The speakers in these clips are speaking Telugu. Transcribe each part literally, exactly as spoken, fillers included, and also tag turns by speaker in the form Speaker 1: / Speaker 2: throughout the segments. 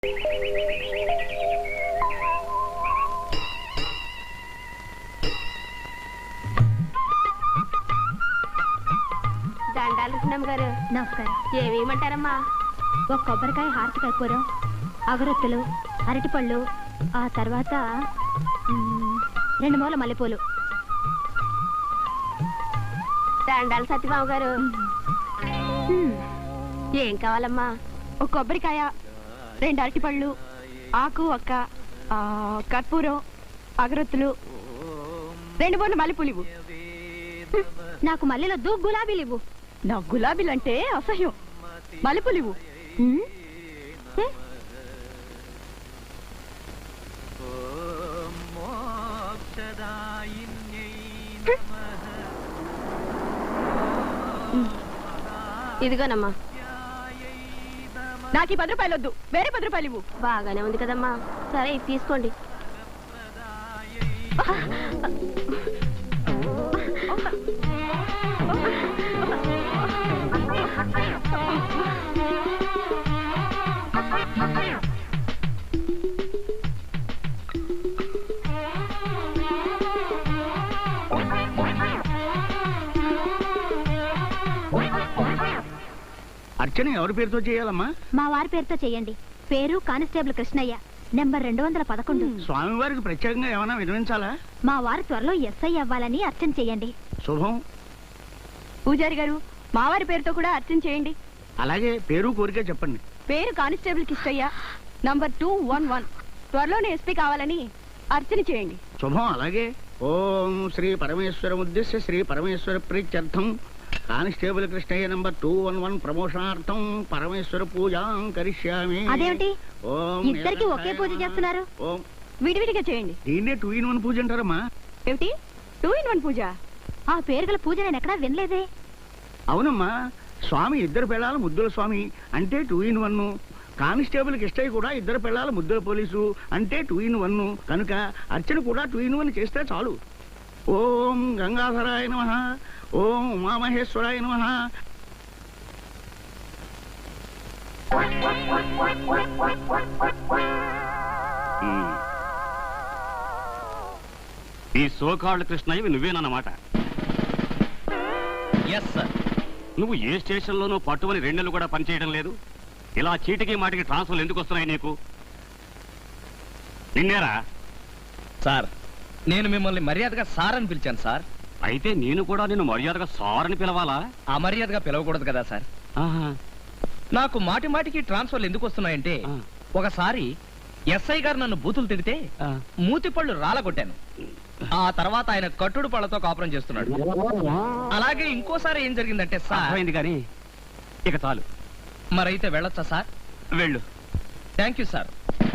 Speaker 1: దండాలు గారు నమస్కారం. ఏమేమంటారమ్మా? ఒక కొబ్బరికాయ, హారతి కర్పూరం, అగరొత్తులు, అరటిపళ్ళు, ఆ తర్వాత రెండు మూల మల్లెపూలు. దండాలు సత్యబాబు గారు. ఏం కావాలమ్మా? ఒక కొబ్బరికాయ, రెండు అరటిపళ్ళు, ఆకు ఒక్క, కర్పూరం, అగరొత్తులు, రెండు మూల మల్లెపూలు ఇవ్వు. నాకు మల్లెలొద్దు, గులాబీలు ఇవ్వు. నాకు గులాబీలు అంటే అసహ్యం. మల్లెపూలు ఇవ్వు. ఇదిగోనమ్మా. నాకు ఈ పది రూపాయలు వద్దు, వేరే పది రూపాయలు ఇవ్వు. బాగానే ఉంది కదమ్మా. సరే తీసుకోండి.
Speaker 2: అర్చన ఎవరి పేరుతో చేయాలమ్మా?
Speaker 1: మా వారి పేరుతో చేయండి. పేరు కానిస్టేబుల్ కృష్ణయ్య, నెంబర్ రెండు వందల పదకొండు.
Speaker 2: స్వామివారికి ప్రత్యేకంగా ఏమైనా వినిపించాలా?
Speaker 1: మా వారి త్వరలో ఎస్ఐ అవ్వాలని అర్చన చేయండి.
Speaker 2: శుభం.
Speaker 1: పూజారి గారు, మా వారి పేరుతో కూడా అర్చన చేయండి.
Speaker 2: అలాగే, పేరు కోరిక చెప్పండి.
Speaker 1: పేరు constable Krishnaiah, number two one one. త్వరలోనే ఎస్పీ కావాలని అర్చన చేయండి.
Speaker 2: శుభం. అలాగే, ఓం శ్రీ పరమేశ్వర ఉద్దేశ్య శ్రీ పరమేశ్వర ప్రీత్యర్థం constable Krishnaiah number two one one ప్రమోషనార్థం పరమేశ్వర పూజాం కరిష్యామి.
Speaker 1: అదేమిటి ఇద్దరికి ఒకే పూజ చేస్తున్నారు?
Speaker 2: ఓం
Speaker 1: విడివిడిగా చేయండి.
Speaker 2: దీన్నే టూ ఇన్ వన్ పూజ అంటారమ్మా.
Speaker 1: ఏమిటి టూ ఇన్ వన్ పూజ? ఆ పేరు గల పూజ నేను ఎక్కడా వినలేదే.
Speaker 2: అవునమ్మా, స్వామి ఇద్దరు పిల్లల ముద్దుల స్వామి అంటే two in one. Constable Krishnaiah కూడా ఇద్దరు పిల్లల ముద్దుల పోలీసు అంటే టూ ఇన్ వన్. కనుక అర్చన కూడా టూ ఇన్ వన్ చేస్తే చాలు. ఓం గంగాధరాయ నమః, ఓం ఉమామహేశ్వరాయ నమః.
Speaker 3: ఈ సోకాళ్ళు కృష్ణయ్యవి నువ్వేనన్నమాట. Yes sir. నువ్వు ఏ స్టేషన్లోనూ పట్టుమని రెండు నెలలు కూడా పనిచేయడం లేదు. ఇలా చీటికి మాటికి ట్రాన్స్ఫర్లు ఎందుకు వస్తున్నాయి నీకు? నిన్నేరా?
Speaker 4: సార్, నేను మిమ్మల్ని మర్యాదగా సార్ అని పిలిచాను సార్.
Speaker 3: అయితే నేను కూడా నేను మర్యాదగా సార్ అని పిలవాలా?
Speaker 4: అమర్యాదగా పిలవకూడదు కదా సార్. నాకు మాటి మాటికి ట్రాన్స్ఫర్లు ఎందుకు వస్తున్నాయంటే, ఒకసారి ఎస్ఐ గారు నన్ను బూతులు తిడితే మూతి పళ్ళు రాలగొట్టాను. ఆ తర్వాత ఆయన కట్టుడు పళ్ళతో కాపురం చేస్తున్నాడు. అలాగే ఇంకోసారి ఏం జరిగిందంటే సార్.
Speaker 3: అయింది కానీ ఇక చాలు.
Speaker 4: మరైతే వెళ్ళొచ్చా సార్?
Speaker 3: వెళ్ళు.
Speaker 4: Thank you sir.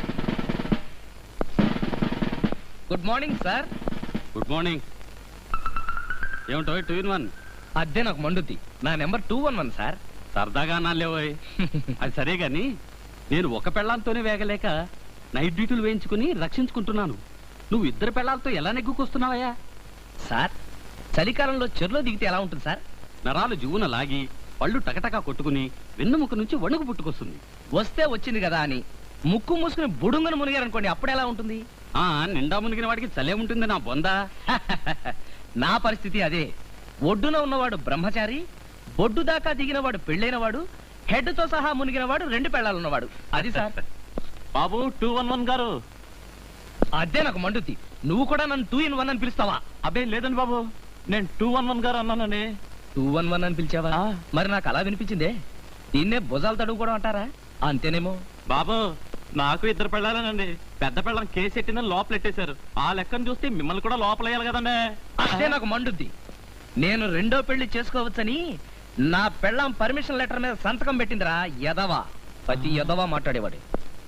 Speaker 4: Good morning sir.
Speaker 3: Good morning. ఏమిటో టూ ఇన్ వన్?
Speaker 4: అదే నాకు మండుద్ది. నా number two one one sir.
Speaker 3: సరదాగా అన్నాలేవోయ్. అది సరే గాని నేను ఒక పెళ్ళాంతోనే వేగలేక నైట్ డ్యూటీలు వేయించుకుని రక్షించుకుంటున్నాను. నువ్వు ఇద్దరు పెళ్ళాలతో ఎలా నెగ్గుకొస్తున్నావయ్యా?
Speaker 4: సార్, చలికాలంలో చెరులో దిగితే ఎలా ఉంటుంది సార్?
Speaker 3: నరాలు జువున లాగి పళ్ళు టకటకా కొట్టుకుని వెన్నుముక నుంచి వణుకు పుట్టుకొస్తుంది.
Speaker 4: వస్తే వచ్చింది కదా అని ముక్కు మూసుకుని బుడుంగను మునిగారనుకోండి, అప్పుడు ఎలా ఉంటుంది?
Speaker 3: ఆ నిండా మునిగిన వాడికి చలే ఉంటుంది నా బొందా.
Speaker 4: నా పరిస్థితి అదే. ఒడ్డున ఉన్నవాడు బ్రహ్మచారి, బొడ్డు దాకా దిగినవాడు పెళ్ళైన వాడు, హెడ్ తో సహా మునిగినవాడు, రెండు పెళ్ళాలున్నవాడు. అది సార్.
Speaker 3: బాబు టూ వన్ వన్ గారు.
Speaker 4: అదే నాకు మండుద్ది. నువ్వు కూడా నన్ను టూ ఇన్ వన్ అని పిలుస్తావా?
Speaker 3: అబ్బే లేదండి బాబు, నేను టూ వన్ వన్ గారు అన్నానండి.
Speaker 4: టూ వన్ వన్ అని పిలిచావా? మరి నాకు అలా వినిపించిందే. దీన్నే భుజాలు తడుగుకోవడం అంటారా? అంతేనేమో.
Speaker 3: బాబు నాకు ఇద్దరు పెళ్ళాలనండి. పెద్ద పెళ్ళం కేసు ఎట్టిన లోపలెట్టేశారు. ఆ లెక్కను చూస్తే మిమ్మల్ని కూడా లోపలేయాలి కదండి.
Speaker 4: అదే నాకు మండుద్ది. నేను రెండో పెళ్లి చేసుకోవచ్చని నా పెళ్ళం పర్మిషన్ లెటర్ మీద సంతకం పెట్టిందిరా యదవా. ప్రతి యదవా మాట్లాడేవాడు.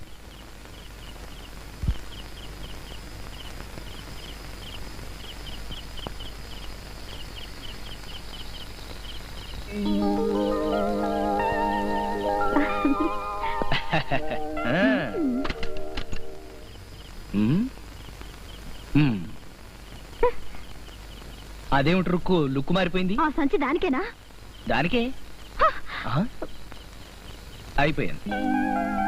Speaker 4: అదేమిటి రుక్కు లుక్కు మారిపోయింది?
Speaker 1: ఆ సంచి దానికేనా?
Speaker 4: దానికే అయిపోయాను.